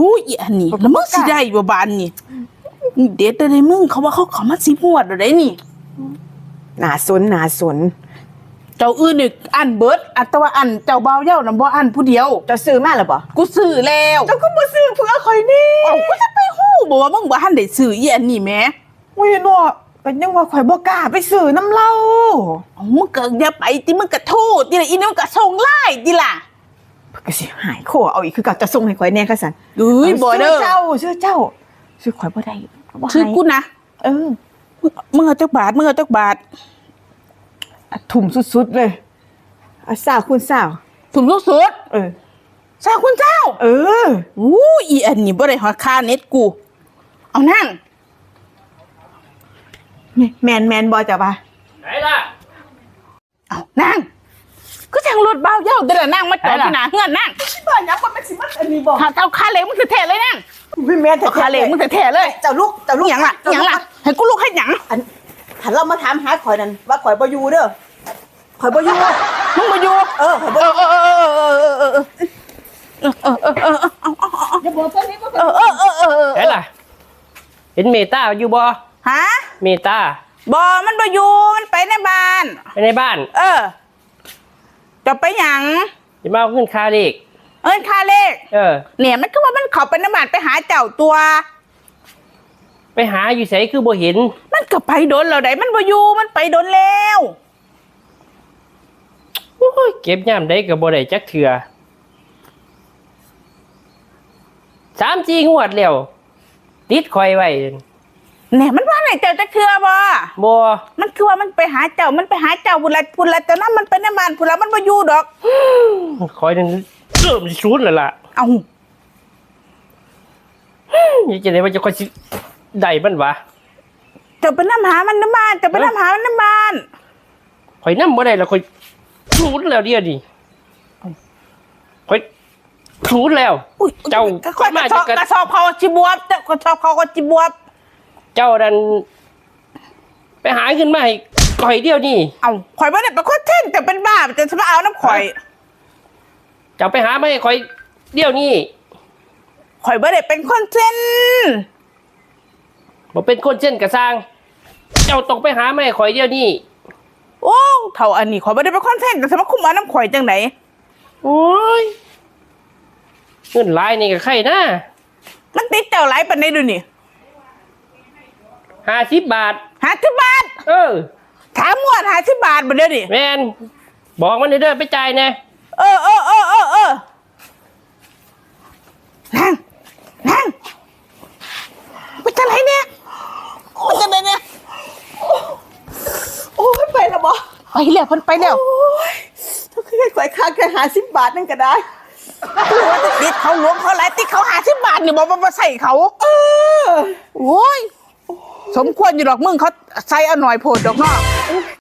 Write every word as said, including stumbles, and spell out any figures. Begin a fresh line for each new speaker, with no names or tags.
อุ้ยอันนี้แล้วมึงสิได้บ่บานนี่เด็ดได้มึงเขาว่าเขาเขามาสิบงวดได้นี่
หนาสนหนาสน
เจ้าอื่นนี่อันเบิดอันแต่ว่าอันเจ้าเบาเย้าน่ะบ่อันผู้เดียว
จะซื้อมาหรือเปล่า
กูซื้อแล้ว
เจ้าก็บ่ซื้อเพื่อคอยนี่
เอ้ากูจะไปฮู้บ่ว่ามึงบ่ทันได้ซื้ออีอันนี้แหม
อุ้ยเนาะก็ยังว่าข่อยบ่กล้าไปซื้อน้ำเหล้า
เอ้ามึงก็อย่าไปติมึงก็โทษติล่ะอีนี่มันก็ส่งไลน์ติล่ะ
เพิ่นก็สิหายโคเอาอีกคือเก่าจะส่งให้ข่อยแน่ค่ะซั่น
เอ้ยบ่เด้อ
เจ้าซื้อเจ้าซื้อข่อยบ่ได้บ่ให้
ซื้อกูนะ
เออ
มึงเอาจักบาทมึงเอาจักบาท
ทุ่มสุดๆเลยอ่ะสาวคุณสาว
ถุงลูกสุด
เออ
สาวคุณเจ้า
เออ
อู้อีอันนี้บ่ได้ฮอดค่าเน็ตกูเอานั่ง
แมนแมนบ่จ้ะป่ะ
ไหนล่ะ
เอานั่งก็จังรถเบาเย้าเด้อนั่งมาจอดที่หน้าเฮือนนั่ง
บ่ยักว่ามันสิมันอันนี้บ่
ถ้าเอาค่าเหล็กมึงแท้ๆเลยนั่ง
พี่แม่น
เอาค่าเหล็กมึงแท้ๆเลย
เจ้าลูกเจ้าลูก
หยังล่ะหยังล่ะให้กูลูกให้หยัง
อันหันเรามาถามหาข่อยนั่นว่าข่อยบ่อยู่เด้อข่อยบ่อยู่
มึงบ่อยู่
เออข่อยบ่
เออเออเออเออเออเออเออเออเออเออ
อย่าบอกตอนนี้บ่
เออเออเออเออ
ไหนล่ะเห็นเมตาอยู่บ่
ฮะ
เมตา
บ่มันบ่อยู่มันไปในบ้าน
ไปในบ้าน
เออจะไปหยัง
จะมาเอาขึ้นคาเด็ก
เอิ้นค่าเลข
เออ
เนี่ยมันก็ว่ามันเข้าไปในบ้านไปหาเจ้าตัว
ไปหาอยู่ไสคือบ่เห็น
มันก็ไปโดนแล้วได้มันบ่อยู่มันไปโดนแล้ว
โอ้ยเก็บยามใดก็บ่ได้จักเทื่อสามสี่งวดแล้วติดข่อยไว้
เนี่ยมันว่าไหนเจ้าจะเคือบ่
บ่
มันคือว่ามันไปหาเจ้ามันไปหาเจ้าพุ่นละพุ่นละเจ้านั้นมันไปในบ้านพุ่นละมันบ่อยู่ดอก
ข่อยนั่นเริ่มสิสูญแล้วล่ะ
เอ้า
อยากจะได้ว่าจะค่อยสิได้มันวะ
เจ้าไปนำหามันในบ้านเจ้าไปนำหามันในบ้าน
ข่อยนำบ่ได้แล้วข่อยสูญแล้วเดี๋ยวนี้ข่อยสูญแล้วเจ้า
ค่อยมาจะกระสอบเขาจิบวบเจ้ากระสอบเขาก็จิบวบ
เจ้าดันไปหาขึ้นมาให้ข่อยเดียวนี่
เอ้าข่อยบ่ได้เป็นคนเท่นแต่เป็นบ้าจะมาเอาน้ำข่อย
เจ้าไปหามาให้ข่อยเดียวนี่
ข่อยบ่ได้เป็นคนเท่น
บ่เป็นคนเช่นกระสร้างเจ้าต้องไปหามาให้ข่อยเดียวนี่
โอ้เท่าอันนี้ข่อยบ่ได้เป็นคนเท่นแต่มาคุมเอาน้ำข่อยจังไหน
โอ้ยเงินหลายนี่ก็ใครนะ
มันติดเจ้าหลายปานใดดูนี่
ห้าสิบบาท
ห้าสิบบาท
เออ
ถามงวดห้าสิบบาทบ่เด้อนี่
แม่นบอกมันเด้อไปจ่ายแน่
เออเออเออเออเออนั่งนั่งมันจะไหนเนี่ยมันจะไหนเนี่ย
โอ้ยไปแล้วบ่
ไปแล้วเพิ่นไปแล้ว
โอ้ยถ้าเคยข่อยค้างแค่ห้าสิบบาทนั่นก็ได้
ติดเขาหลวงเขาหลายติดเขาห้าสิบบาทนี่บ่บ่ใส่เขา
เออ
โอ้ยสมควรอยู่ดอกมึงเขาใส่เอาหน่อยโพดดอกเนาะ